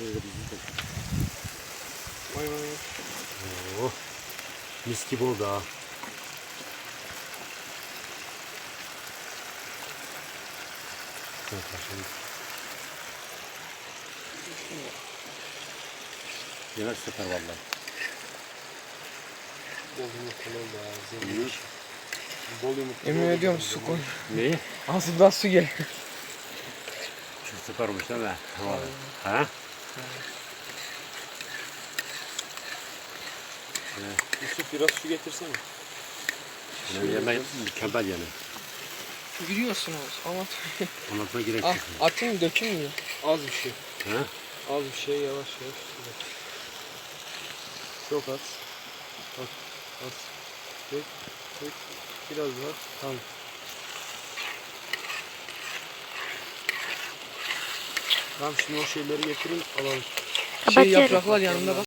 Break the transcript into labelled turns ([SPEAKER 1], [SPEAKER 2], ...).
[SPEAKER 1] Şöyle bizim de.
[SPEAKER 2] Vay vay.
[SPEAKER 1] Oh. Mis gibi oldu ha. Evet, başladık. Yemek süper vallahi.
[SPEAKER 2] Bol yumurtalı oldu ha. Zengin. Bol yumurtalı.
[SPEAKER 3] Yemin ediyorum su koy.
[SPEAKER 1] Neyi?
[SPEAKER 3] Ağzından su gel.
[SPEAKER 1] Çok süper olmuş değil mi? Ha?
[SPEAKER 2] Yusuf biraz su getirsene.
[SPEAKER 1] Yani yemek mükemmel yani.
[SPEAKER 3] Gülüyorsunuz ama.
[SPEAKER 1] Anlatmaya gerek
[SPEAKER 3] Ah,
[SPEAKER 1] yok.
[SPEAKER 3] atayım dökeyim mi?
[SPEAKER 2] Az bir şey.
[SPEAKER 1] Ha?
[SPEAKER 2] Az bir şey, yavaş yavaş. Çok az. Az. Az. Dök. Dök. Biraz daha. Tamam. Tamam, şimdi o şeyleri getireyim, alalım.
[SPEAKER 3] Şey yapraklar yanında bak.